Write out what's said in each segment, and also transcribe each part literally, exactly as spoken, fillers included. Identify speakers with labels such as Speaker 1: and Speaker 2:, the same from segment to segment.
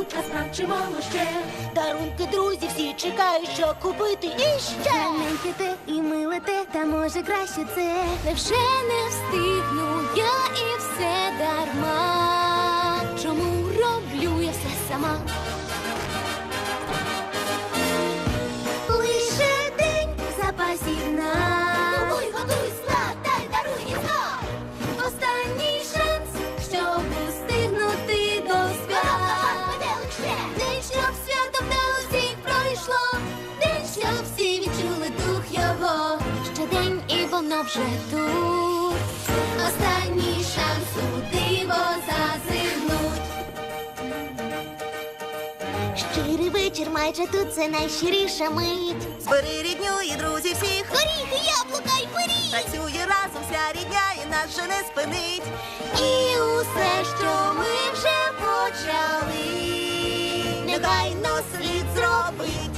Speaker 1: тут насправ чимало ще.
Speaker 2: Дарунки, друзі, всі чекають, що купити іще.
Speaker 3: Маленьке те і миле те, та може краще це.
Speaker 1: Невже не встигну я і все дарма? Чому роблю я все сама?
Speaker 3: Лише день запасів нам.
Speaker 2: Готуй, готуй, складай, даруй і знов.
Speaker 3: Останній шанс, щоб устигнути до свят. День, щоб свято вдало всіх пройшло. День, щоб всі відчули дух його.
Speaker 1: Ще день і воно вже тут.
Speaker 3: Останній шанс у диво зазирнуть. Щирий вечір, майже тут це найщиріша мить.
Speaker 2: Збери рідню і друзі всіх.
Speaker 3: Горіхи, яблука й пиріг.
Speaker 2: Працює разом вся рідня і нас же не спинить.
Speaker 3: І усе, що ми вже почали,
Speaker 2: Негайно слід зробить.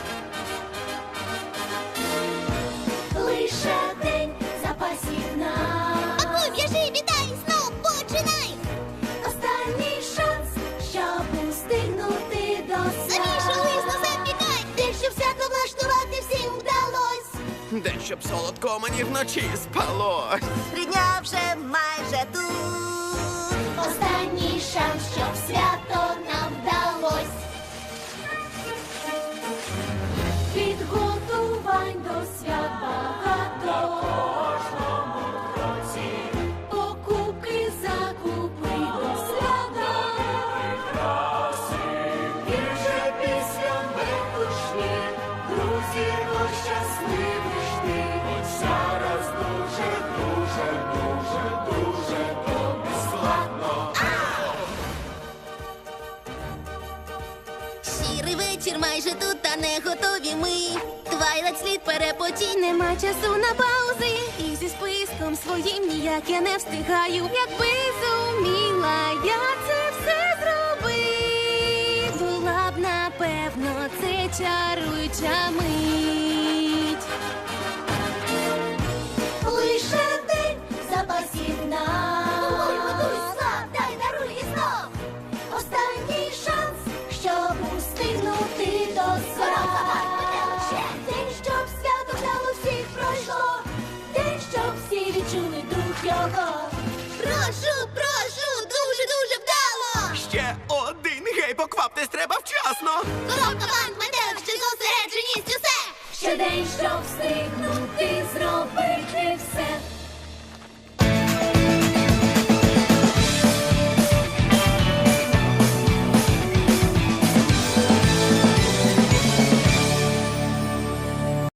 Speaker 3: лише день запасів нам. Пакуй, в'яжи, вітай, знов починай. Останній шанс, щоб устигнути до свят. Замішу лист, запікай. День, щоб свято влаштувати всім вдалось.
Speaker 4: День, щоб солодко мені вночі спалось.
Speaker 2: Рідня вже майже тут.
Speaker 3: Останній шанс, щоб свято нам вдалось. Підготувань до свят багато. Кожному кроці. Покупки, закупи до свята. І вже після метушні друзі щасливі жди. Зараз дуже, дуже, дуже, дуже тобі складно. Сірий вечір майже тут, та не готові ми. Твайлайт слід перепотій, нема часу на паузи. І зі списком своїм ніяк я не встигаю. Якби зуміла я це все зробити, була б напевно це чаруюча мить. Лише день запасів нам. Готуй, готуй, складай, даруй і знов. Останній шанс, щоб устигнути до свят. День, щоб свято вдало всіх пройшло. День, щоб всі відчули дух його. Прошу, прошу, дуже, дуже вдало.
Speaker 4: Ще один, гей, покваптесь, треба вчасно.
Speaker 3: Коробка, банк, метелик, ще зосередженість, усе. Ще день, щоб встигнути зробити.